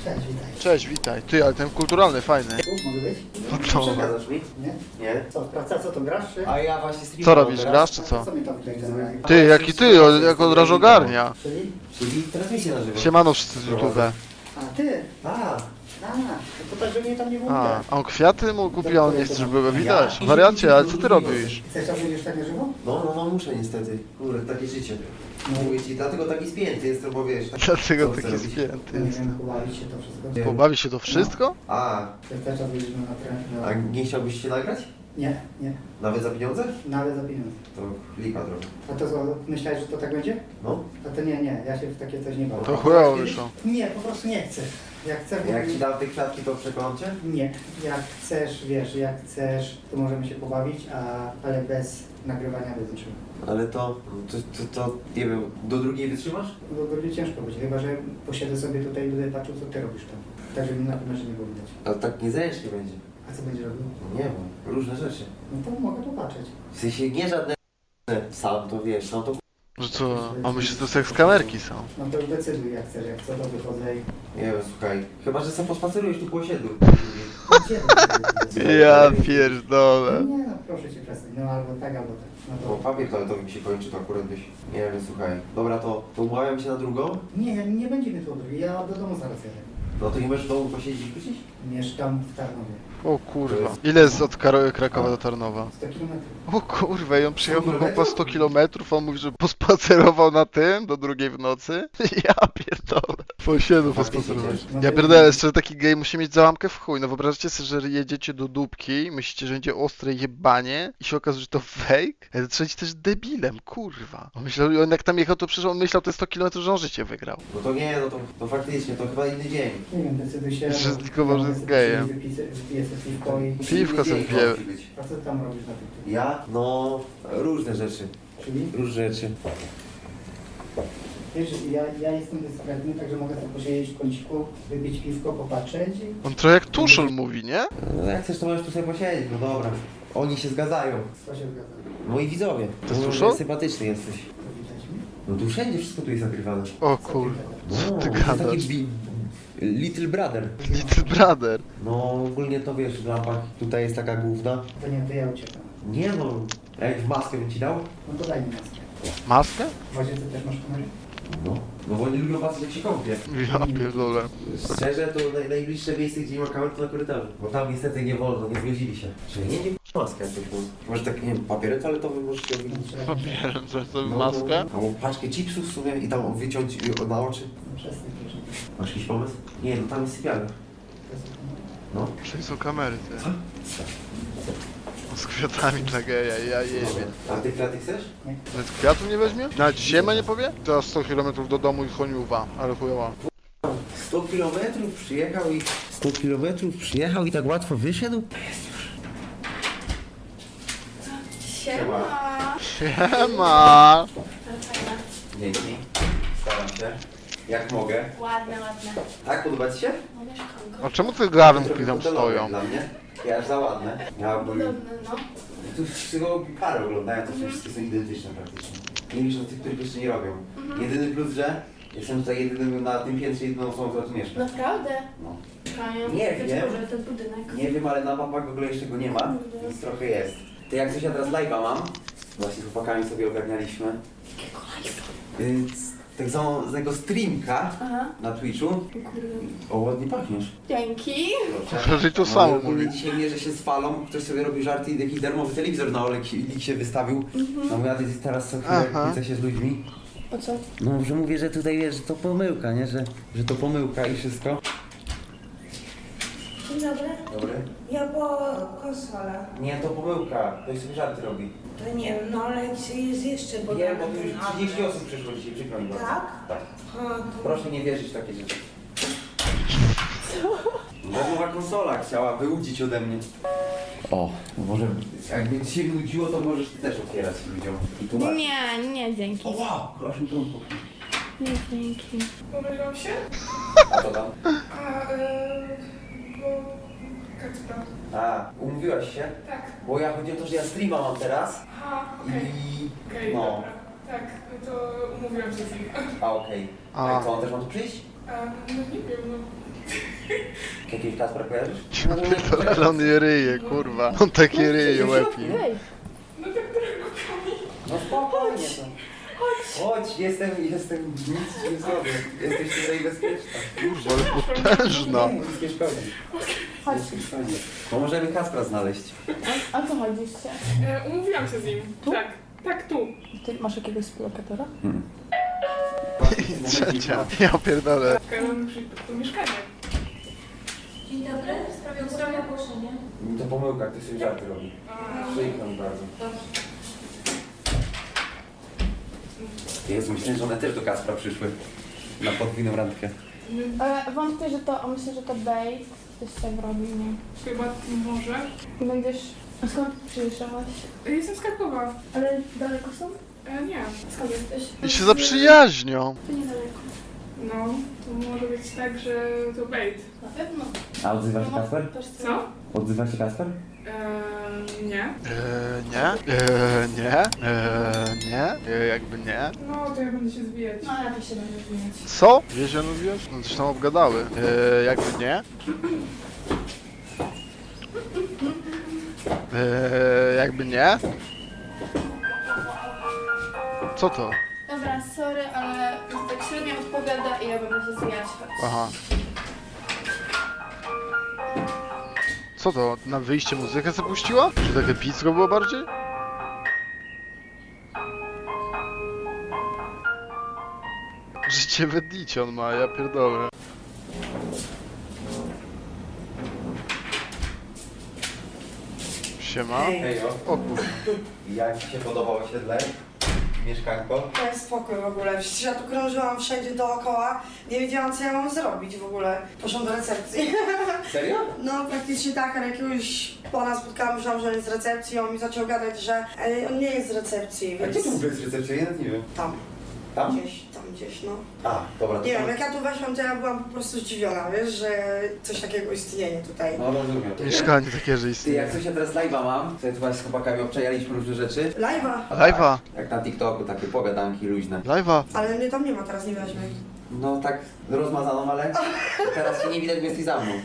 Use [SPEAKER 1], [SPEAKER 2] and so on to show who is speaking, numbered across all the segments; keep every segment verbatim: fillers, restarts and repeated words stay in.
[SPEAKER 1] Cześć, witaj.
[SPEAKER 2] Cześć, witaj. Ty, ale ten kulturalny, fajny.
[SPEAKER 1] Tu mogę być?
[SPEAKER 2] No to...
[SPEAKER 3] Przeszkadzasz mi?
[SPEAKER 1] Nie?
[SPEAKER 3] Nie.
[SPEAKER 1] Co, praca, co to grasz, czy?
[SPEAKER 3] A ja właśnie streamuję.
[SPEAKER 2] Co robisz, grasz czy co?
[SPEAKER 1] Co mi tam tutaj zabrali?
[SPEAKER 2] Ty, jaki ty, o, jak od razu ogarnia.
[SPEAKER 1] Czyli?
[SPEAKER 3] Czyli transmisję na żywo.
[SPEAKER 2] Siemano wszyscy z YouTube.
[SPEAKER 1] A, ty?
[SPEAKER 3] A,
[SPEAKER 1] A, to tak, że mnie tam nie było
[SPEAKER 2] A,
[SPEAKER 1] widać.
[SPEAKER 2] a on kwiaty mu kupił, a on nie chce, żeby były widać. Wariacie, ale co ty robisz?
[SPEAKER 1] Chcesz tam będziesz tak na żywo?
[SPEAKER 3] no, no, no muszę niestety. Kurde, takie życie.
[SPEAKER 1] No.
[SPEAKER 3] Mówię ci, dlatego taki spięty jestem, bo wiesz. Tak,
[SPEAKER 2] Dlatego
[SPEAKER 3] co chcę
[SPEAKER 2] taki
[SPEAKER 3] robić?
[SPEAKER 2] spięty
[SPEAKER 1] Nie
[SPEAKER 2] jest.
[SPEAKER 1] wiem, pobawić się to wszystko.
[SPEAKER 3] Nie.
[SPEAKER 2] Pobawi się to wszystko?
[SPEAKER 3] A,
[SPEAKER 1] Chcesz też czas będziemy na teren?
[SPEAKER 3] a nie chciałbyś się nagrać?
[SPEAKER 1] Nie, nie.
[SPEAKER 3] Nawet za pieniądze?
[SPEAKER 1] Nawet za pieniądze.
[SPEAKER 3] To lipa trochę.
[SPEAKER 1] A to co, myślałeś, że to tak będzie?
[SPEAKER 3] No.
[SPEAKER 1] A to nie, nie, ja się w takie coś nie bawię.
[SPEAKER 2] To chujowo wyszło.
[SPEAKER 1] Nie, po prostu nie chcę. Jak chcę,
[SPEAKER 3] Jak ci dam te kwiatki, to przekonam cię?
[SPEAKER 1] Nie, jak chcesz, wiesz, jak chcesz, to możemy się pobawić, a, ale bez nagrywania bez niczego.
[SPEAKER 3] Ale to, to, to, to, nie wiem, do drugiej wytrzymasz?
[SPEAKER 1] Bo będzie ciężko być, chyba że posiedzę sobie tutaj i będę patrzył, co ty robisz tam. Tak, żeby na pewno się nie było widać.
[SPEAKER 3] Ale tak niezręcznie będzie.
[SPEAKER 1] A co będzie robił?
[SPEAKER 3] Nie wiem, różne rzeczy.
[SPEAKER 1] No to mogę popatrzeć.
[SPEAKER 3] W sensie nie żadne sam to wiesz, sam to
[SPEAKER 2] Że co? A myślę, że to seks kamerki są.
[SPEAKER 1] No to już decyduj, jak chcesz, jak co to wychodzę i...
[SPEAKER 3] nie wiem, słuchaj. Chyba, że sam pospacerujesz tu po osiedlu.
[SPEAKER 1] Gdzie to
[SPEAKER 2] Ja pierdolę.
[SPEAKER 1] Nie no, proszę cię przestań, no albo tak, albo tak. No
[SPEAKER 3] Bo
[SPEAKER 1] to...
[SPEAKER 3] papier toaletowy mi się kończy, to akurat byś. Nie wiem, słuchaj. Dobra, to, to umawiam się na drugą.
[SPEAKER 1] Nie, ja- nie będziemy tu odbyli, ja do domu zaraz jadę.
[SPEAKER 3] No to nie możesz w domu posiedzieć i wrócić?
[SPEAKER 1] Mieszkam w Tarnowie.
[SPEAKER 2] O kurwa. Ile jest od Kar- Krakowa do Tarnowa?
[SPEAKER 1] sto kilometrów.
[SPEAKER 2] O kurwa, i on przyjechał
[SPEAKER 3] sto
[SPEAKER 2] drogą po
[SPEAKER 3] kilometrów?
[SPEAKER 2] sto kilometrów, a on mówi, że pospacerował na tym do drugiej w nocy. Ja pierdolę. Po osiedlu pospacerować. Ja pierdolę, jeszcze taki gej musi mieć załamkę w chuj. No wyobraźcie sobie, że jedziecie do dupki, myślicie, że będzie ostre jebanie i się okazuje, że to fake? Ale trzeba być też debilem, kurwa. On myślał, on jak tam jechał, to przecież on myślał te sto kilometrów, że on życie wygrał.
[SPEAKER 3] No to nie, no to, to faktycznie, to chyba inny dzień.
[SPEAKER 1] Nie wiem, decyduj się.
[SPEAKER 2] Że
[SPEAKER 1] bo-
[SPEAKER 2] zlikował, że
[SPEAKER 1] ja
[SPEAKER 2] jest
[SPEAKER 1] sobie
[SPEAKER 2] gejem.
[SPEAKER 1] wypiszę- Wypiję sobie piwko i...
[SPEAKER 2] Piwko
[SPEAKER 3] Inny
[SPEAKER 2] sobie
[SPEAKER 3] dzień
[SPEAKER 2] pije.
[SPEAKER 3] musi być.
[SPEAKER 1] A co ty tam robisz na tym?
[SPEAKER 3] Ja? No, różne rzeczy.
[SPEAKER 1] Czyli?
[SPEAKER 3] Różne rzeczy.
[SPEAKER 1] Wiesz, ja, ja jestem dyskretny, także mogę sobie posiedzieć w kąciku, wypić piwko, popatrzeć i...
[SPEAKER 2] On trochę jak Tuszol mówi, nie?
[SPEAKER 3] No jak chcesz, to możesz tu sobie posiedzieć, no dobra. Oni się zgadzają.
[SPEAKER 1] Co się zgadza?
[SPEAKER 3] Moi widzowie.
[SPEAKER 2] To jest
[SPEAKER 3] Mówią,
[SPEAKER 2] Tuszol?
[SPEAKER 3] że sympatyczny jesteś.
[SPEAKER 1] To widać mi?
[SPEAKER 3] No tu wszędzie wszystko tu jest nagrywane.
[SPEAKER 2] O kurwa. Co ty
[SPEAKER 3] to jest taki
[SPEAKER 2] gadasz?
[SPEAKER 3] bi- Little Brother.
[SPEAKER 2] Little brother.
[SPEAKER 3] No ogólnie to wiesz, w lampach tutaj jest taka główna.
[SPEAKER 1] To nie, to ja uciekam.
[SPEAKER 3] Nie no, a jak w maskę bym ci dał?
[SPEAKER 1] No to daj mi maskę.
[SPEAKER 2] Maskę?
[SPEAKER 1] W łazience też masz kamerę?
[SPEAKER 3] No. No bo oni lubią patrzeć jak się kąpie.
[SPEAKER 2] Ja pierdolę.
[SPEAKER 3] Szczerze to naj, najbliższe miejsce gdzie nie ma kamer to na korytarzu. Bo tam niestety nie wolno, nie zgodzili się. Czyli nie wiem maskę jakąś może. Może tak, nie wiem, papierem toaletowym możesz się odwiedzić.
[SPEAKER 2] Papierem, coś sobie
[SPEAKER 3] No,
[SPEAKER 2] maskę?
[SPEAKER 3] no, albo paczkę chipsów w sumie i tam wyciąć y, na oczy.
[SPEAKER 1] No przestań, proszę.
[SPEAKER 3] Masz jakiś pomysł? Nie, no tam jest sypialnia.
[SPEAKER 1] To jest kamerę.
[SPEAKER 3] No.
[SPEAKER 2] Czyli są kamery, ty.
[SPEAKER 3] Co?
[SPEAKER 2] Z kwiatami dla geja, ja jebie.
[SPEAKER 3] A ty kwiaty chcesz?
[SPEAKER 1] Nie?
[SPEAKER 2] Nawet kwiatów nie weźmie? Nawet ziemę nie powie? Teraz sto kilometrów do domu i choniuwa, ale chujowa.
[SPEAKER 3] sto kilometrów przyjechał i... sto kilometrów przyjechał i tak łatwo wyszedł?
[SPEAKER 4] Siema.
[SPEAKER 2] Siema!
[SPEAKER 3] Dzięki. Staram się. Jak mogę.
[SPEAKER 4] Ładne, ładne.
[SPEAKER 3] Tak, podoba ci się?
[SPEAKER 4] No mieszkanko.
[SPEAKER 2] A czemu te garnki
[SPEAKER 3] Trochę
[SPEAKER 2] tam
[SPEAKER 3] hotelowe
[SPEAKER 2] stoją?
[SPEAKER 3] Dla mnie. Ja aż za ładne. Ja bym...
[SPEAKER 4] Podobne, no.
[SPEAKER 3] Tu wszystkiego parę oglądają, to wszystkie są identyczne praktycznie. Nie liczę na tych, których jeszcze nie robią. Jedyny plus, że jestem tutaj jedynym na tym piętrze jedyną osobą, która tu mieszka.
[SPEAKER 4] Naprawdę?
[SPEAKER 3] No.
[SPEAKER 4] Czekają.
[SPEAKER 3] Nie
[SPEAKER 4] Być
[SPEAKER 3] wiem.
[SPEAKER 4] może ten budynek.
[SPEAKER 3] Nie wiem, ale na mapach w ogóle jeszcze go nie ma, więc trochę jest. Ty jak coś ja teraz live'a mam, właśnie z chłopakami sobie ogarnialiśmy.
[SPEAKER 4] Jakiego live'a?
[SPEAKER 3] Więc tak zwanego streamka
[SPEAKER 4] Aha.
[SPEAKER 3] na Twitchu.
[SPEAKER 4] O kurde.
[SPEAKER 3] O, ładnie pachniesz.
[SPEAKER 4] Dzięki.
[SPEAKER 3] Proszę.
[SPEAKER 2] Że to
[SPEAKER 3] No,
[SPEAKER 2] samo
[SPEAKER 3] ogólnie
[SPEAKER 2] mówi.
[SPEAKER 3] dzisiaj mierzę się z falą, ktoś sobie robi żarty i jakiś darmowy telewizor na Olik się wystawił. No mówię, a ty teraz co chwilę
[SPEAKER 2] Aha.
[SPEAKER 3] kłócę się z ludźmi.
[SPEAKER 4] O co?
[SPEAKER 3] No, że mówię, że tutaj wiesz, że to pomyłka, nie? Że, że to pomyłka i wszystko.
[SPEAKER 5] Dzień dobry.
[SPEAKER 3] Dobry.
[SPEAKER 5] Ja po konsolę.
[SPEAKER 3] Nie, to pomyłka. Ktoś sobie żarty robi.
[SPEAKER 5] To nie wiem, no ale jest jeszcze, bo...
[SPEAKER 3] Nie, bo tu już trzydzieści osób przyszło dzisiaj, przykro mi bardzo.
[SPEAKER 5] Tak?
[SPEAKER 3] Tak.
[SPEAKER 5] A, to...
[SPEAKER 3] Proszę nie wierzyć w takie rzeczy. Darmowa konsola chciała wyłudzić ode mnie. O, może jakby ci się nudziło, to możesz ty też otwierać ludziom i tłumaczyć.
[SPEAKER 4] Nie, nie, dzięki.
[SPEAKER 3] O wow, proszę mi trąbką.
[SPEAKER 4] Nie, dzięki.
[SPEAKER 6] Pomyliłam się?
[SPEAKER 3] A co tam?
[SPEAKER 6] A, yy, bo... Kacpra.
[SPEAKER 3] A, umówiłaś się?
[SPEAKER 6] Tak.
[SPEAKER 3] Bo ja chodzi o to, że ja streama mam teraz
[SPEAKER 6] Aha, okej.
[SPEAKER 3] i...
[SPEAKER 6] Okej,
[SPEAKER 3] no.
[SPEAKER 6] dobra. Tak, no to umówiłam się z nim.
[SPEAKER 3] A okej.
[SPEAKER 2] A.
[SPEAKER 3] A co, on też ma tu przyjść?
[SPEAKER 6] A, no nie wiem, no...
[SPEAKER 3] Jakiegoś Kacpra kojarzysz?
[SPEAKER 2] Ja pierdolę, ale on je ryje, kurwa. On takie ryje, łepi.
[SPEAKER 4] Ej,
[SPEAKER 6] No tak drogami.
[SPEAKER 3] No spokojnie to. Chodź, jestem, jestem, nic ci nie zrobię. Jesteś tutaj bezpieczna.
[SPEAKER 2] Kurwa, ale potężna.
[SPEAKER 3] Nie, nic nie szkodzi.
[SPEAKER 4] chodź.
[SPEAKER 3] Nic nie szkodzi. Bo możemy Kacpra znaleźć.
[SPEAKER 4] A, a co chodzisz się?
[SPEAKER 6] E, umówiłam się z nim. Tak, tak tu.
[SPEAKER 4] Ty masz jakiegoś współlokatora?
[SPEAKER 2] I trzecia. Ja pierdolę.
[SPEAKER 6] Ja mam przyjść do mieszkania.
[SPEAKER 7] Dzień dobry, w sprawie ustalenia ogłoszenia.
[SPEAKER 3] To pomyłka, ktoś sobie żarty robi.
[SPEAKER 6] A,
[SPEAKER 3] Przykro mi bardzo. Jezu, myślę, że one też do Kacpra przyszły. Na podwójną randkę.
[SPEAKER 4] Ale wątpię, że to, myślę, że to bait. Coś tam robi, nie?
[SPEAKER 6] chyba może.
[SPEAKER 4] Będziesz... A skąd przyjeżdżałaś?
[SPEAKER 6] E, Jestem z Krakowa.
[SPEAKER 4] Ale daleko są?
[SPEAKER 6] E, nie.
[SPEAKER 4] Skąd jesteś?
[SPEAKER 2] I się zaprzyjaźnią.
[SPEAKER 4] To niedaleko.
[SPEAKER 6] No, to może być tak, że to bait.
[SPEAKER 4] Na pewno.
[SPEAKER 3] A odzywa się
[SPEAKER 4] No,
[SPEAKER 3] Kacper?
[SPEAKER 4] też
[SPEAKER 6] Co?
[SPEAKER 3] Odzywa się Kacper?
[SPEAKER 6] E, nie.
[SPEAKER 2] Eee, nie? Eee, nie? Eee, nie? Eee, jakby nie.
[SPEAKER 6] No, to ja będę się zwijać.
[SPEAKER 4] No, ja też się będę zmieniać.
[SPEAKER 2] Co? Wiecie, mówiłeś? No coś tam obgadały. Eee, jakby nie? Eee, jakby nie? Co to?
[SPEAKER 4] Dobra, sorry, ale tak średnio odpowiada i ja będę się zwijać. Chodź.
[SPEAKER 2] Aha. Co to? Na wyjście muzykę zapuściła? Czy takie pizko było bardziej? Życie wedlicie on ma, ja pierdolę. Siema.
[SPEAKER 3] Hejo.
[SPEAKER 2] O kurwa.
[SPEAKER 3] Jak ci się podobało osiedle? Mieszkanko?
[SPEAKER 5] To jest spokój w ogóle. Przecież ja tu krążyłam wszędzie dookoła. Nie wiedziałam, co ja mam zrobić w ogóle. Poszłam do recepcji.
[SPEAKER 3] Serio?
[SPEAKER 5] No praktycznie tak, ale jakiegoś pana spotkałam, myślałam, że on jest z recepcji. On mi zaczął gadać, że e, on nie jest z recepcji,
[SPEAKER 3] A
[SPEAKER 5] więc...
[SPEAKER 3] gdzie tu w ogóle jest recepcja? Ja nawet nie wiem.
[SPEAKER 5] Tam,
[SPEAKER 3] Tam?
[SPEAKER 5] gdzieś, tam gdzieś, no.
[SPEAKER 3] A, dobra. to
[SPEAKER 5] Nie
[SPEAKER 3] tam.
[SPEAKER 5] wiem, jak ja tu weszłam, to ja byłam po prostu zdziwiona, wiesz, że coś takiego istnieje tutaj.
[SPEAKER 3] No rozumiem.
[SPEAKER 2] Mieszkanie takie, że
[SPEAKER 3] Ty,
[SPEAKER 2] istnieje.
[SPEAKER 3] jak coś ja teraz live'a mam, sobie tu właśnie z chłopakami obczajaliśmy różne rzeczy.
[SPEAKER 5] Live'a,
[SPEAKER 2] Live'a,
[SPEAKER 3] Jak na TikToku, takie pogadanki luźne.
[SPEAKER 2] live'a.
[SPEAKER 5] ale mnie tam nie ma, teraz nie weźmie.
[SPEAKER 3] No tak rozmazaną, ale teraz się nie widać, bo jesteś za mną.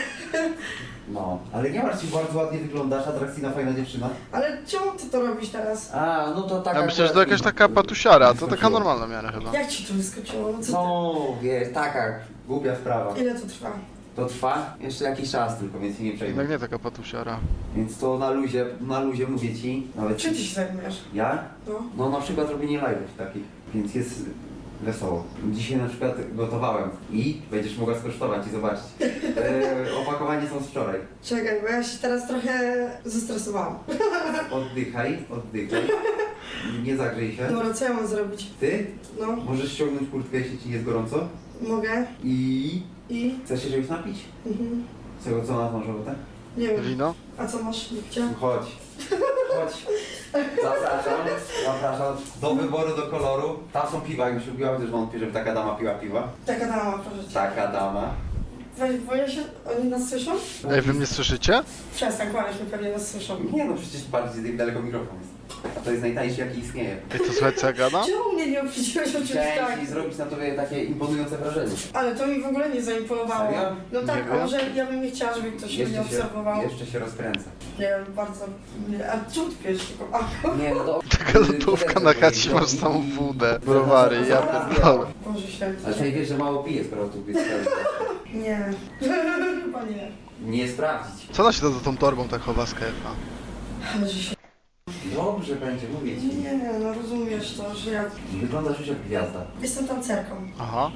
[SPEAKER 3] No, ale nie masz, ci bardzo ładnie wyglądasz, atrakcyjna, fajna dziewczyna.
[SPEAKER 5] Ale czemu ty to robisz teraz?
[SPEAKER 3] A, no to tak.
[SPEAKER 2] Ja myślę, że to jakaś taka patusiara, to taka normalna miara chyba.
[SPEAKER 5] Jak ci to wyskoczyło? No co
[SPEAKER 3] No, wiesz, taka głupia sprawa.
[SPEAKER 5] ty? Ile to trwa?
[SPEAKER 3] To trwa jeszcze jakiś czas tylko, więc się nie przejmuj.
[SPEAKER 2] Jednak nie taka patusiara.
[SPEAKER 3] Więc to na luzie, na luzie mówię ci. Nawet
[SPEAKER 5] Czym ty się zajmujesz?
[SPEAKER 3] Ja?
[SPEAKER 5] No.
[SPEAKER 3] No na przykład robienie live'ów takich, więc jest wesoło. Dzisiaj na przykład gotowałem i będziesz mogła skosztować i zobaczyć. E, opakowanie są z wczoraj.
[SPEAKER 5] Czekaj, bo ja się teraz trochę zestresowałam.
[SPEAKER 3] Oddychaj, oddychaj. Nie zagrzej się.
[SPEAKER 5] Dobra, co ja mam zrobić?
[SPEAKER 3] Ty
[SPEAKER 5] No,
[SPEAKER 3] możesz ściągnąć kurtkę, jeśli ci jest gorąco.
[SPEAKER 5] mogę.
[SPEAKER 3] I
[SPEAKER 5] I?
[SPEAKER 3] chcesz się czegoś napić?
[SPEAKER 5] Mhm.
[SPEAKER 3] Czego co na tą robotę?
[SPEAKER 5] Nie wiem.
[SPEAKER 2] Wino?
[SPEAKER 5] A co masz, Lipcia?
[SPEAKER 3] Chodź. Chodź. Zapraszam, zapraszam do wyboru, do koloru. Tam są piwa, już lubiłam też wątpię, żeby taka dama piła piwa.
[SPEAKER 5] Taka dama, proszę cię.
[SPEAKER 3] Taka dama.
[SPEAKER 5] Weź, boję się, oni nas słyszą?
[SPEAKER 2] Ej, wy mnie słyszycie?
[SPEAKER 5] Przestań kłamać, my pewnie nas słyszą.
[SPEAKER 3] Nie no, przecież bardziej daleko mikrofon jest. A to jest najtańszy jaki istnieje.
[SPEAKER 2] Ej, to słuchaj co ja gadam?
[SPEAKER 5] Czemu mnie nie oprzedziłeś o czymś tak?
[SPEAKER 3] Chciałem ci zrobić na tobie takie imponujące wrażenie.
[SPEAKER 5] Ale to mi w ogóle nie zaimponowało.
[SPEAKER 3] Serio?
[SPEAKER 5] No
[SPEAKER 2] Nie
[SPEAKER 5] tak, a
[SPEAKER 2] wiem.
[SPEAKER 5] może ja bym nie chciała, żeby ktoś mnie
[SPEAKER 3] Jeszcze się,
[SPEAKER 5] obserwował.
[SPEAKER 3] jeszcze się rozkręca.
[SPEAKER 5] Nie wiem, bardzo... Nie. A czemu ty pijesz tylko alkohol?
[SPEAKER 3] Nie no to...
[SPEAKER 2] Taka lodówka na chacie, masz samą wódę, browary, ja pierdolę.
[SPEAKER 5] Boże święty.
[SPEAKER 3] Ale tutaj wiesz, że mało pije, skoro tu jest.
[SPEAKER 5] Nie. Chyba nie.
[SPEAKER 3] Nie sprawdzić.
[SPEAKER 2] Co ona się to za tą torbą tak chowa z K F A?
[SPEAKER 5] Ale że się...
[SPEAKER 3] Dobrze będzie, mówię ci.
[SPEAKER 5] Nie, no rozumiesz to, że ja...
[SPEAKER 3] Wyglądasz już jak gwiazda.
[SPEAKER 5] Jestem tancerką.
[SPEAKER 2] Aha.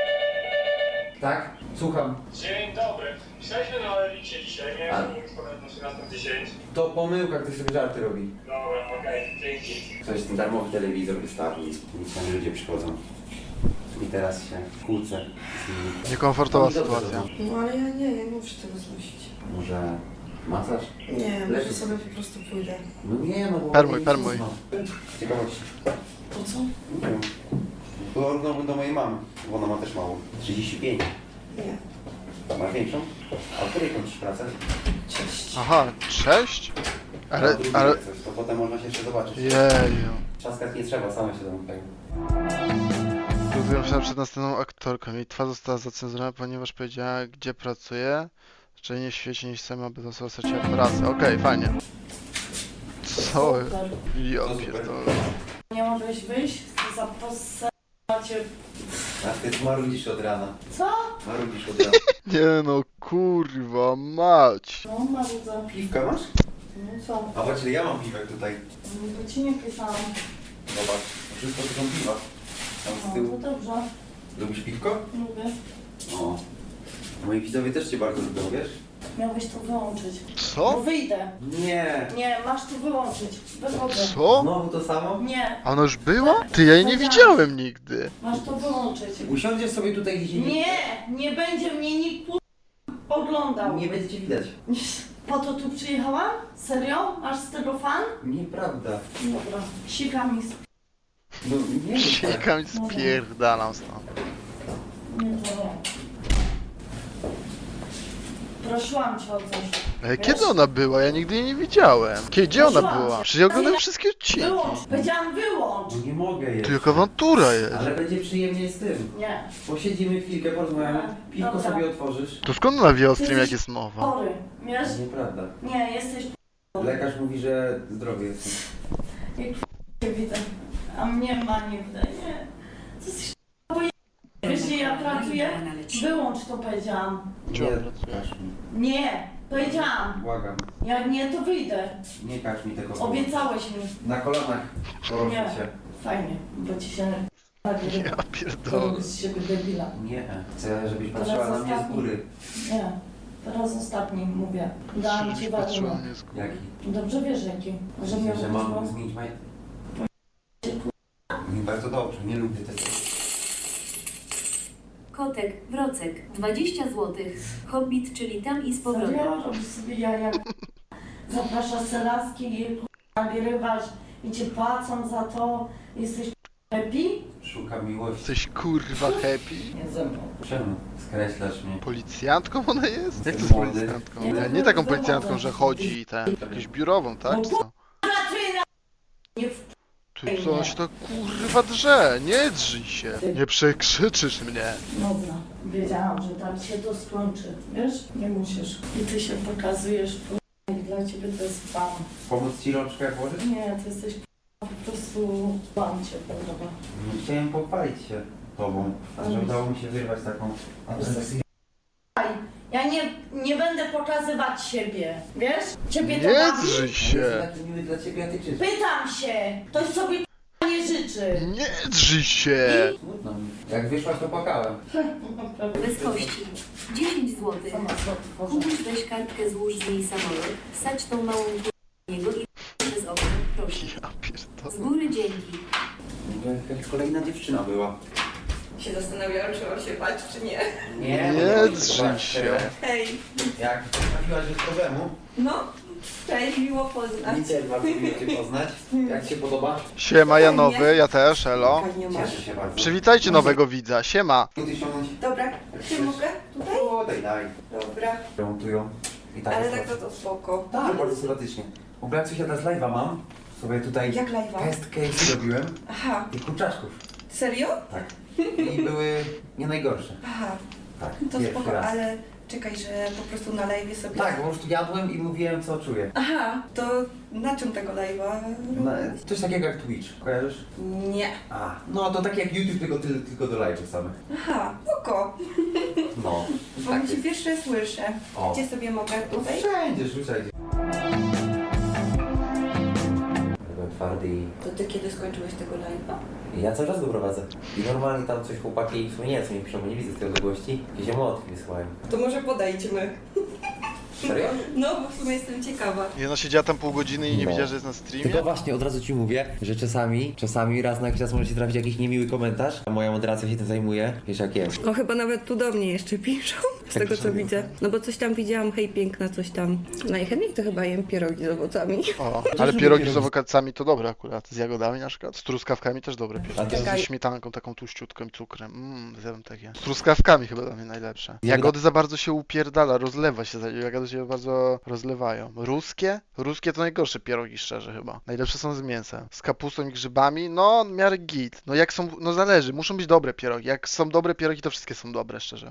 [SPEAKER 3] Tak? Słucham.
[SPEAKER 8] Dzień dobry. Pisaliśmy na Elicie dzisiaj, nie
[SPEAKER 3] A.
[SPEAKER 8] wiem, czy pamiętam na trzynastą dziesięć.
[SPEAKER 3] To pomyłka, ktoś sobie żarty robi.
[SPEAKER 8] Dobra, okej, dzięki.
[SPEAKER 3] Ktoś ten darmowy telewizor wystawił, nic tam ludzie przychodzą. I teraz się kłócę z nimi.
[SPEAKER 2] Niekomfortowa
[SPEAKER 3] Oni dobrze
[SPEAKER 2] sytuacja.
[SPEAKER 3] robią.
[SPEAKER 5] No ale ja nie, ja nie muszę tego znosić.
[SPEAKER 3] Może masaż?
[SPEAKER 5] Nie, może
[SPEAKER 3] Lepiej.
[SPEAKER 5] sobie po prostu pójdę.
[SPEAKER 3] No nie, no bo...
[SPEAKER 2] Permuj, permuj.
[SPEAKER 3] Ciekawości.
[SPEAKER 5] Po co?
[SPEAKER 3] Nie wiem. Porównałbym do mojej mamy, bo ona ma też małą. trzydzieści pięć.
[SPEAKER 5] Nie.
[SPEAKER 3] Masz większą? A o której kończysz pracę?
[SPEAKER 5] Cześć.
[SPEAKER 2] Aha, cześć?
[SPEAKER 3] A
[SPEAKER 2] Ale,
[SPEAKER 3] o drugiej
[SPEAKER 2] ale...
[SPEAKER 3] jak coś, to potem można się jeszcze zobaczyć.
[SPEAKER 2] Jeju.
[SPEAKER 3] Trzaskać nie trzeba, same się zamykają.
[SPEAKER 2] To Zrobiłem się przed następną aktorką. Jej twarz została zacenzurowana, ponieważ powiedziała, gdzie pracuje. Czyli nie w świecie niż sama, by została straciła pracę. Okej, fajnie. Co?
[SPEAKER 5] Super.
[SPEAKER 2] Ja
[SPEAKER 3] To super.
[SPEAKER 2] pierdolę.
[SPEAKER 5] Nie mogłeś wyjść? Co za posse... macie...
[SPEAKER 3] A ty marudzisz od rana.
[SPEAKER 5] Co?
[SPEAKER 3] Marudzisz od rana.
[SPEAKER 2] Nie no, kurwa, mać.
[SPEAKER 5] No, Marudza.
[SPEAKER 3] Piwka masz?
[SPEAKER 5] No co?
[SPEAKER 3] A patrz, ile ja mam piwek tutaj.
[SPEAKER 5] Bo ci nie pisałam.
[SPEAKER 3] Zobacz, to wszystko to są piwa. Tam z
[SPEAKER 5] No,
[SPEAKER 3] tyłu.
[SPEAKER 5] to dobrze.
[SPEAKER 3] Lubisz piwko?
[SPEAKER 5] Lubię.
[SPEAKER 3] O. Moi widzowie też cię bardzo lubią, wiesz?
[SPEAKER 5] Miałbyś to wyłączyć. No
[SPEAKER 2] Co?
[SPEAKER 5] wyjdę.
[SPEAKER 3] Nie.
[SPEAKER 5] Nie, masz to wyłączyć. Wychodzę.
[SPEAKER 2] Co?
[SPEAKER 3] Znowu to samo?
[SPEAKER 5] Nie,
[SPEAKER 2] A ona już była? Ty, ja jej nie widziałem nigdy.
[SPEAKER 5] masz to wyłączyć.
[SPEAKER 3] Usiądziesz sobie tutaj gdzieś indziej.
[SPEAKER 5] Nie, nie będzie mnie nikt ku- oglądał.
[SPEAKER 3] Nie będzie cię widać.
[SPEAKER 5] Po to tu przyjechałam? Serio? Masz z tego fan?
[SPEAKER 3] Nieprawda.
[SPEAKER 5] Dobra. Sika mi sp...
[SPEAKER 3] No nie jest tak.
[SPEAKER 2] Siekam i spierdalam stąd.
[SPEAKER 5] Nie, to nie. Prosiłam cię o coś.
[SPEAKER 2] Ale kiedy ona była? Ja nigdy jej nie widziałem. Kiedy, gdzie ona była? Przecież ja oglądam wszystkie odcinki.
[SPEAKER 5] Wyłącz. Powiedziałam wyłącz.
[SPEAKER 3] No nie mogę
[SPEAKER 2] Tu
[SPEAKER 3] jeszcze.
[SPEAKER 2] jaka awantura jest.
[SPEAKER 3] Ale będzie przyjemnie z tym.
[SPEAKER 5] Nie.
[SPEAKER 3] Posiedzimy chwilkę, porozmawiamy. Piwko
[SPEAKER 5] Dobra.
[SPEAKER 3] sobie otworzysz.
[SPEAKER 2] To skąd ona wie o stream, jak jest nowa?
[SPEAKER 5] Chory. Wiesz?
[SPEAKER 3] Nieprawda.
[SPEAKER 5] Nie, jesteś
[SPEAKER 3] Lekarz mówi, że zdrowy jestem.
[SPEAKER 5] nie widzę. A mnie ma nie widzę. Nie. Co jesteś bo wiesz, gdzie ja pracuję? Wyłącz to powiedziałam.
[SPEAKER 2] Gdzie
[SPEAKER 3] Nie
[SPEAKER 2] on pracuje?
[SPEAKER 3] każ mi.
[SPEAKER 5] Nie. Powiedziałam.
[SPEAKER 3] Błagam.
[SPEAKER 5] Jak nie, to wyjdę.
[SPEAKER 3] Nie każ mi tego słowa.
[SPEAKER 5] Obiecałeś mi.
[SPEAKER 3] Na kolanach proszę
[SPEAKER 5] Nie.
[SPEAKER 3] cię.
[SPEAKER 5] Fajnie, bo ci się nagrywa.
[SPEAKER 2] Ja pierdolę.
[SPEAKER 5] To z siebie debila.
[SPEAKER 3] Nie. Chcę, żebyś
[SPEAKER 5] Teraz
[SPEAKER 3] patrzyła na mnie z
[SPEAKER 5] ostatni.
[SPEAKER 3] góry.
[SPEAKER 5] Nie. Teraz ostatni mówię. Dałam ci
[SPEAKER 2] Patrzyła
[SPEAKER 5] warunek.
[SPEAKER 2] mnie z góry.
[SPEAKER 3] Jaki?
[SPEAKER 5] Dobrze wiesz jaki. Że mnie
[SPEAKER 3] Że mam
[SPEAKER 5] wyszło.
[SPEAKER 3] zmienić maj... Nie bardzo dobrze, nie lubię tego.
[SPEAKER 7] Kotek, Wrocek, dwadzieścia złotych. Hobbit, czyli tam i z powrotem.
[SPEAKER 5] Serio? Robisz sobie jaja. Zapraszasz se laski i nagrywasz i cię płacą za to. Jesteś happy?
[SPEAKER 3] Szukam miłości.
[SPEAKER 2] Jesteś kurwa happy?
[SPEAKER 5] Nie ze mną.
[SPEAKER 3] Czemu? Skreślasz mnie.
[SPEAKER 2] Policjantką ona jest? Jak to z
[SPEAKER 3] Młody.
[SPEAKER 2] policjantką?
[SPEAKER 5] Nie,
[SPEAKER 2] Nie, nie taką policjantką, że chodzi i ten. Jakąś biurową, tak? Czy co?
[SPEAKER 5] Pracuję na... Nie w...
[SPEAKER 2] Ty co on się to kurwa drze? Nie drzyj się. Nie przekrzyczysz mnie.
[SPEAKER 5] Dobra. Wiedziałam, że tak się to skończy. Wiesz? Nie musisz. I ty się pokazujesz. p- I dla ciebie to jest pan.
[SPEAKER 3] Pomóc ci rączkę włożyć?
[SPEAKER 5] Nie, ty jesteś p- po prostu pan cię podoba.
[SPEAKER 3] Nie chciałem pochwalić się tobą, że udało mi się wyrwać taką atrakcję.
[SPEAKER 5] Ja nie, nie będę pokazywać siebie. Wiesz? Ciebie to
[SPEAKER 2] Nie
[SPEAKER 5] bawi?
[SPEAKER 2] drzyj
[SPEAKER 3] Jestem
[SPEAKER 2] się.
[SPEAKER 3] taki miły dla ciebie, a ty krzyczysz.
[SPEAKER 5] Pytam się. Ktoś sobie p- nie życzy.
[SPEAKER 2] Nie drzyj się.
[SPEAKER 3] Smutno mi. Jak wyszłaś, to płakałem.
[SPEAKER 7] Bez kości. dziesięć złotych.
[SPEAKER 5] Sama sobie tworzę.
[SPEAKER 7] Kubuś, weź kartkę, złóż z niej samolot, wsadź tą małą k***ę niego i przez okno, proszę.
[SPEAKER 2] Ja pierdolę.
[SPEAKER 7] Z góry dzięki.
[SPEAKER 3] Jakaś kolejna dziewczyna była.
[SPEAKER 9] Się zastanawiałam, czy mam się bać, czy nie.
[SPEAKER 3] Nie,
[SPEAKER 2] Nie drzyj się.
[SPEAKER 9] Hej,
[SPEAKER 3] Jak trafiłaś bez problemu,
[SPEAKER 9] no, cześć, miło poznać.
[SPEAKER 3] mi też bardzo miło cię poznać. Jak ci się podoba?
[SPEAKER 2] Siema, ja nowy, ja też, elo.
[SPEAKER 9] Fajnie masz.
[SPEAKER 3] Cieszę się bardzo.
[SPEAKER 2] Przywitajcie nowego widza, siema.
[SPEAKER 3] Ty ściągnąć?
[SPEAKER 9] Dobra, czy mogę? Tutaj?
[SPEAKER 3] O, daj, daj.
[SPEAKER 9] Dobra,
[SPEAKER 3] Remontują. I tak
[SPEAKER 9] ale
[SPEAKER 3] jest
[SPEAKER 9] tak to to spoko.
[SPEAKER 3] Tak, bardzo sympatycznie. W ogóle coś ja teraz live'a mam. Sobie tutaj
[SPEAKER 9] Jak live'a?
[SPEAKER 3] test case robiłem.
[SPEAKER 9] Aha,
[SPEAKER 3] I kurczaczków.
[SPEAKER 9] serio?
[SPEAKER 3] Tak. I były nie najgorsze.
[SPEAKER 9] Aha,
[SPEAKER 3] Tak.
[SPEAKER 9] to
[SPEAKER 3] pierwszy
[SPEAKER 9] spoko,
[SPEAKER 3] raz.
[SPEAKER 9] ale czekaj, że po prostu na live'ie sobie...
[SPEAKER 3] Tak, po prostu jadłem i mówiłem co czuję.
[SPEAKER 9] Aha, to na czym tego live'a?
[SPEAKER 3] No, coś takiego jak Twitch, kojarzysz?
[SPEAKER 9] Nie.
[SPEAKER 3] A, no to tak jak YouTube, tylko, tylko, tylko do live'ów samych.
[SPEAKER 9] Aha, spoko,
[SPEAKER 3] No,
[SPEAKER 9] bo
[SPEAKER 3] tak
[SPEAKER 9] cię
[SPEAKER 3] jest.
[SPEAKER 9] pierwsze słyszę.
[SPEAKER 3] O.
[SPEAKER 9] Gdzie sobie mogę?
[SPEAKER 3] To
[SPEAKER 9] Tutaj?
[SPEAKER 3] wszędzie, rzucaj. Byłem twardy i
[SPEAKER 9] To ty kiedy skończyłeś tego live'a?
[SPEAKER 3] ja cały czas go prowadzę. I normalnie tam coś chłopaki, w sumie nie, co mi piszą, bo nie widzę z tej odległości. Jakieś emotki wysyłają.
[SPEAKER 9] To może podejdźmy.
[SPEAKER 3] Serio?
[SPEAKER 9] No, bo w sumie jestem ciekawa.
[SPEAKER 2] I ona siedziała tam pół godziny i nie
[SPEAKER 3] No.
[SPEAKER 2] widziała, że jest na streamie.
[SPEAKER 3] Tylko właśnie od razu ci mówię, że czasami, czasami raz na jakiś czas może ci trafić jakiś niemiły komentarz, a moja moderacja się tym zajmuje, wiesz jak jest.
[SPEAKER 9] No chyba nawet tu do mnie jeszcze piszą. z tego co widzę. No bo coś tam widziałam, hej piękna, coś tam. Najchętniej to chyba jem pierogi z owocami.
[SPEAKER 2] O, ale pierogi z owocami to dobre akurat. Z jagodami na przykład. Z truskawkami też dobre pierogi.
[SPEAKER 9] Czekaj.
[SPEAKER 2] Ze śmietanką taką tłuściutką i cukrem. Mmm, zjadłem takie. Z truskawkami chyba dla mnie najlepsze. Jagody za bardzo się upierdala, rozlewa się. Jagody się bardzo rozlewają. Ruskie? Ruskie to najgorsze pierogi, szczerze chyba. Najlepsze są z mięsem. Z kapustą i grzybami, no w miarę git. No jak są, no zależy, muszą być dobre pierogi. Jak są dobre pierogi, to wszystkie są dobre, szczerze.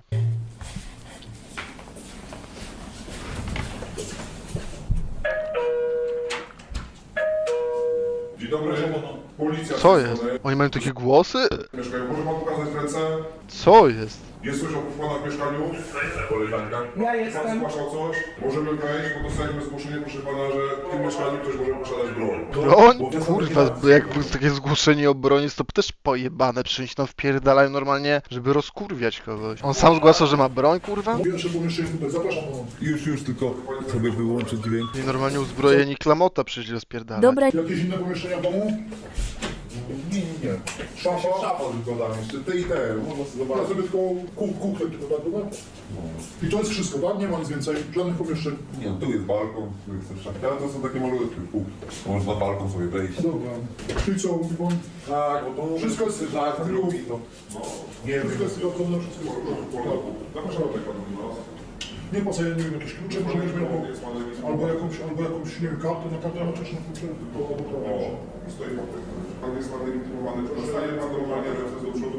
[SPEAKER 10] Dzień dobry, policja.
[SPEAKER 2] Co jest? Oni mają takie głosy?
[SPEAKER 10] Mieszkają. Może pan pokazać ręce?
[SPEAKER 2] Co jest?
[SPEAKER 10] Jest coś oprócz pana w mieszkaniu? Koleżanka. Ja jestem. Pan zgłaszał coś? Możemy wejść, bo dostaliśmy zgłoszenie, proszę pana, że w tym mieszkaniu ktoś może posiadać broń.
[SPEAKER 2] Broń?
[SPEAKER 10] Bo to są
[SPEAKER 2] Kurwa,
[SPEAKER 10] takie-
[SPEAKER 2] jak było takie zgłoszenie o broni, to też pojebane. Przecież tam wpierdalają normalnie, żeby rozkurwiać kogoś. On sam zgłaszał, że ma broń, kurwa?
[SPEAKER 10] Pierwsze pomieszczenie tutaj, zapraszam pana.
[SPEAKER 11] Już, już, tylko sobie wyłączyć dźwięk.
[SPEAKER 2] I normalnie uzbrojeni klamota przyszli rozpierdalać.
[SPEAKER 7] Dobra,
[SPEAKER 10] Jakieś inne pomieszczenia w domu? Nie, nie, nie. Szafa? Szafa tylko tam jeszcze, te i te, można sobie zobaczyć. Ja sobie tylko kuch, kuchnię tylko tak, dobra? I to jest wszystko, tak? Nie ma nic więcej, żadnych pomieszczeń.
[SPEAKER 11] Nie, no, tu jest balkon, tu jest też szafka, ale to są takie malutkie pół. Można balkon sobie wejść.
[SPEAKER 10] Dobra. Czyli co, mówi pan? Tak, bo to... Wszystko jest... Tak, tak, lubi to. No, nie wiem. Wszystko jest sprawdzone, wszystko jest w porządku. Zapraszam tutaj panu do nas. Nie po co, ja nie wiem, jakieś klucze, może być miał, albo jakąś, albo jakąś, nie wiem, kartę na kartę na czeszną klucze, tylko o, stoi pan. Pan jest pan legitymowany, zostanie pan normalnie ręce do przodu.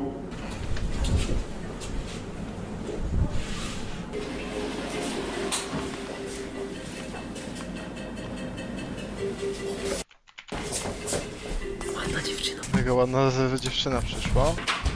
[SPEAKER 2] Mega ładna z- dziewczyna przyszła.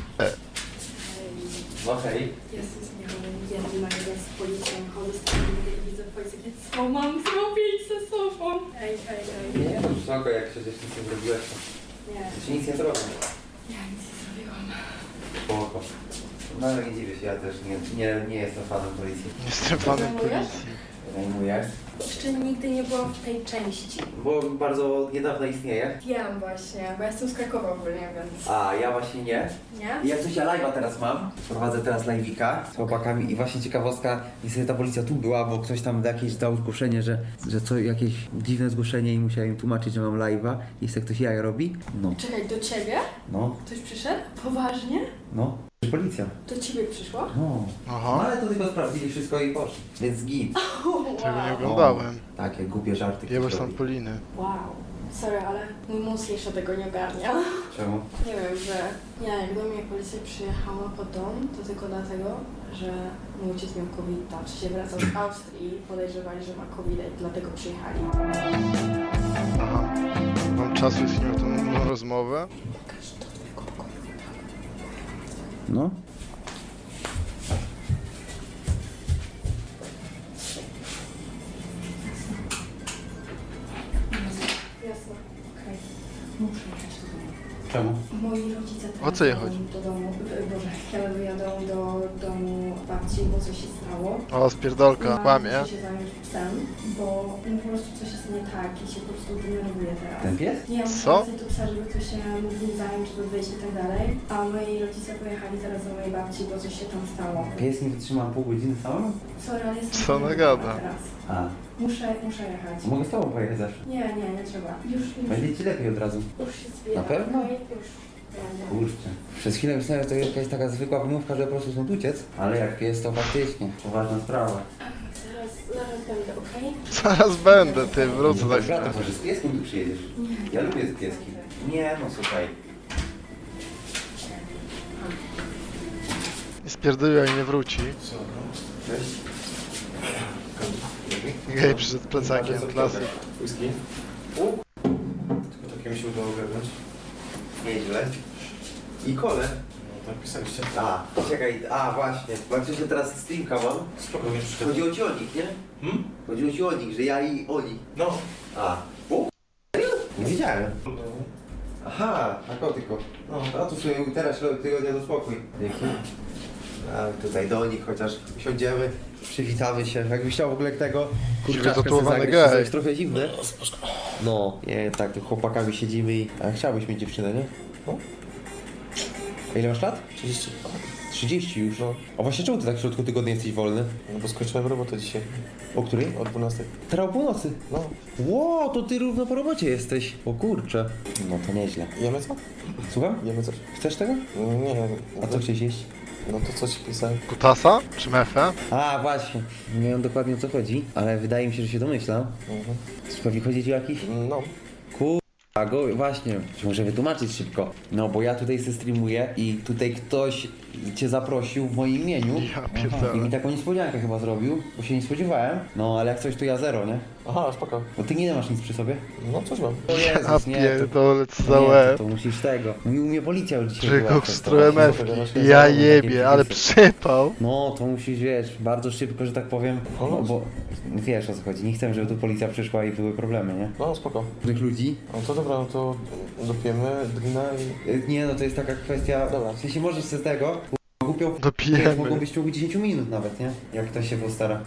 [SPEAKER 3] No hej.
[SPEAKER 4] Jezus, nie wiem, jeden nagle z policją chodzę z tym i widzę policję. Co mam zrobić ze sobą? Ej, ej, ej.
[SPEAKER 3] Nie, no spoko, jak przecież nic nie zrobiłeś,
[SPEAKER 4] Nie,
[SPEAKER 3] to się nic nie zrobi.
[SPEAKER 4] ja nic nie zrobiłam.
[SPEAKER 3] Spoko. No ale nie dziwię się, ja też nie, nie, nie jestem fanem policji.
[SPEAKER 2] Jestem fanem policji.
[SPEAKER 3] Zajmuję.
[SPEAKER 4] Jeszcze nigdy nie byłam w tej części.
[SPEAKER 3] Bo bardzo od niedawna istnieje.
[SPEAKER 4] Wiem właśnie, bo ja jestem z Krakowa ogólnie, więc...
[SPEAKER 3] A ja właśnie nie.
[SPEAKER 4] Nie?
[SPEAKER 3] I jak coś ja live'a teraz mam, prowadzę teraz live'ika z chłopakami i właśnie ciekawostka, niestety ta policja tu była, bo ktoś tam jakieś dał zgłoszenie, że, że co, jakieś dziwne zgłoszenie i musiałem im tłumaczyć, że mam live'a i jak ktoś jaja robi. No,
[SPEAKER 4] Czekaj, do ciebie?
[SPEAKER 3] no,
[SPEAKER 4] Ktoś przyszedł? Poważnie?
[SPEAKER 3] no. Policja.
[SPEAKER 4] Do ciebie przyszła?
[SPEAKER 3] No. No
[SPEAKER 2] Aha,
[SPEAKER 3] ale to tylko sprawdzili wszystko i poszli. Więc git.
[SPEAKER 2] tego nie oglądałem.
[SPEAKER 3] Takie głupie żarty.
[SPEAKER 2] Jebać
[SPEAKER 3] ktoś
[SPEAKER 2] tam
[SPEAKER 3] robi.
[SPEAKER 2] Poliny.
[SPEAKER 4] Wow. Sorry, ale mój mózg jeszcze tego nie ogarnia.
[SPEAKER 3] Czemu?
[SPEAKER 4] Nie wiem, że ja jak do mnie policja przyjechała pod dom, to tylko dlatego, że mój ojciec miał COVID, czy się wracał z Austrii, podejrzewali, że ma COVID i dlatego przyjechali.
[SPEAKER 2] Aha. Mam czasu z nim tą tą rozmowę.
[SPEAKER 4] Pokaż do twojego pokoju.
[SPEAKER 3] No.
[SPEAKER 4] Jasne, okej. Muszę jechać do domu.
[SPEAKER 3] Czemu?
[SPEAKER 4] Moi rodzice
[SPEAKER 2] O co je
[SPEAKER 4] jadą
[SPEAKER 2] chodzi?
[SPEAKER 4] do domu, e, Boże, ja wyjadą do domu babci, bo coś się stało.
[SPEAKER 2] O, spierdolka,
[SPEAKER 4] Ja
[SPEAKER 2] kłamie.
[SPEAKER 4] muszę się zająć psem, bo no, po prostu coś jest nie tak i się po prostu denerwuję teraz.
[SPEAKER 3] Ten pies?
[SPEAKER 4] Nie, muszę
[SPEAKER 2] Co?
[SPEAKER 4] wracać do psa, żeby ktoś się mógł nim zająć, żeby wyjść i tak dalej. A moi rodzice pojechali teraz do mojej babci, bo coś się tam stało.
[SPEAKER 3] Pies nie wytrzymał pół godziny samemu?
[SPEAKER 4] Sorry, ale jestem
[SPEAKER 2] Co ona
[SPEAKER 4] zdenerwowana
[SPEAKER 2] gada?
[SPEAKER 4] teraz.
[SPEAKER 3] A.
[SPEAKER 4] Muszę, muszę jechać.
[SPEAKER 3] Mogę z tobą pojechać zawsze.
[SPEAKER 4] Nie, nie, nie trzeba. Już, już,
[SPEAKER 3] Będzie ci lepiej od razu.
[SPEAKER 4] już się zbieram.
[SPEAKER 3] Na pewno?
[SPEAKER 4] No i już. Będę.
[SPEAKER 3] Kurczę. Przez chwilę myślałem, że to jakaś taka zwykła wymówka, że po prostu stąd uciec. Ale jak pies, to faktycznie. Poważna sprawa.
[SPEAKER 4] Zaraz, zaraz będę, okej?
[SPEAKER 2] Zaraz będę, ty, wrócę za
[SPEAKER 3] Dobra,
[SPEAKER 2] chwilę.
[SPEAKER 3] to może z pieskiem tu przyjedziesz? Ja lubię z pieskiem. Nie, no słuchaj.
[SPEAKER 2] Nie spierdoliła i nie wróci.
[SPEAKER 3] Cześć.
[SPEAKER 2] Gej przyszedł plecakiem, klasyk.
[SPEAKER 3] Whisky?
[SPEAKER 11] Tylko takie mi się udało ogarnąć.
[SPEAKER 3] Nieźle. I kole.
[SPEAKER 11] No tak pisaliście.
[SPEAKER 3] A, czekaj, a właśnie. Bo jak się teraz streamka mam.
[SPEAKER 11] Spokojnie przeszkadza.
[SPEAKER 3] Chodziło ci o nich, nie?
[SPEAKER 11] Hmm?
[SPEAKER 3] Chodziło ci o nich, że ja i oni.
[SPEAKER 11] No.
[SPEAKER 3] A. O, serio? Nie wiedziałem. Aha, na kotyko.
[SPEAKER 11] No.
[SPEAKER 3] A tu sobie teraz tygodnia do spokój. Dzięki. A tutaj do nich chociaż usiądziemy, przywitamy się. Jakbyś chciał w ogóle tego kurczaczka
[SPEAKER 2] wytatuowany
[SPEAKER 3] sobie
[SPEAKER 2] gej.
[SPEAKER 3] zagrać, to jest trochę zimne. No, nie, tak, tu chłopakami siedzimy i... A chciałbyś mieć dziewczynę, nie? No. A ile masz lat?
[SPEAKER 11] trzydzieści.
[SPEAKER 3] trzydzieści już. No. A właśnie czemu ty tak w środku tygodnia jesteś wolny?
[SPEAKER 12] No bo skończyłem robotę dzisiaj.
[SPEAKER 3] O której?
[SPEAKER 12] O dwunastej.
[SPEAKER 3] Teraz o północy.
[SPEAKER 12] No.
[SPEAKER 3] Ło, to ty równo po robocie jesteś. O kurczę. No to nieźle.
[SPEAKER 12] Jemy co?
[SPEAKER 3] Słucham?
[SPEAKER 12] Jemy coś?
[SPEAKER 3] Chcesz tego?
[SPEAKER 12] Nie.
[SPEAKER 3] A co chciałeś jeść?
[SPEAKER 12] No to co ci pisałem?
[SPEAKER 2] Kutasa? Czy mefę?
[SPEAKER 3] A, właśnie. Nie wiem dokładnie o co chodzi, ale wydaje mi się, że się domyślam.
[SPEAKER 12] Mhm.
[SPEAKER 3] Pewnie chodzi ci o jakiś?
[SPEAKER 12] No.
[SPEAKER 3] A go, właśnie, muszę wytłumaczyć szybko. No bo ja tutaj se streamuję i tutaj ktoś cię zaprosił w moim imieniu.
[SPEAKER 2] Ja pierdolę.
[SPEAKER 3] I mi taką niespodziankę chyba zrobił, bo się nie spodziewałem. No ale jak coś to ja zero, nie?
[SPEAKER 12] Aha, spoko.
[SPEAKER 3] Bo ty nie masz nic przy sobie?
[SPEAKER 12] No coś mam.
[SPEAKER 3] O
[SPEAKER 2] Ja
[SPEAKER 3] Jezus, nie, to,
[SPEAKER 2] pierdolę, co za
[SPEAKER 3] nie, to,
[SPEAKER 2] łeb.
[SPEAKER 3] to musisz tego. No i u mnie policja już dzisiaj
[SPEAKER 2] Że
[SPEAKER 3] była
[SPEAKER 2] go
[SPEAKER 3] przez
[SPEAKER 2] w
[SPEAKER 3] to
[SPEAKER 2] stronę
[SPEAKER 3] właśnie.
[SPEAKER 2] mewki. Ja jebie, ale przypał.
[SPEAKER 3] No, to musisz, wiesz, bardzo szybko, że tak powiem, no, bo wiesz o co chodzi, nie chcę, żeby tu policja przyszła i były problemy, nie?
[SPEAKER 12] No spoko.
[SPEAKER 3] Tych ludzi.
[SPEAKER 12] No to dobra, no to dopijemy drina i...
[SPEAKER 3] Y, Nie, no to jest taka kwestia,
[SPEAKER 12] Dobra.
[SPEAKER 3] w sensie możesz z tego, głupią
[SPEAKER 2] Dopijemy.
[SPEAKER 3] mogą być w ciągu dziesięć minut nawet, nie? Jak ktoś się postara.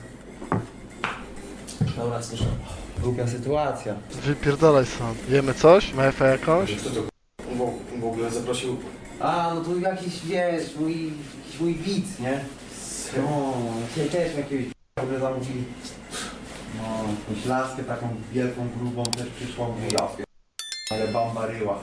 [SPEAKER 12] Dobra, słyszę.
[SPEAKER 3] Głupia sytuacja.
[SPEAKER 2] Wypierdalaj sam. Jemy coś? Mefę jakąś?
[SPEAKER 12] Bo w ogóle zaprosił...
[SPEAKER 3] A, no to jakiś, wiesz, mój, jakiś mój widz, nie? No, dzisiaj też jakiegoś w ogóle zamówili. No, jakąś laskę taką wielką, grubą też przyszła, mówię, ja, ale bamba ryła.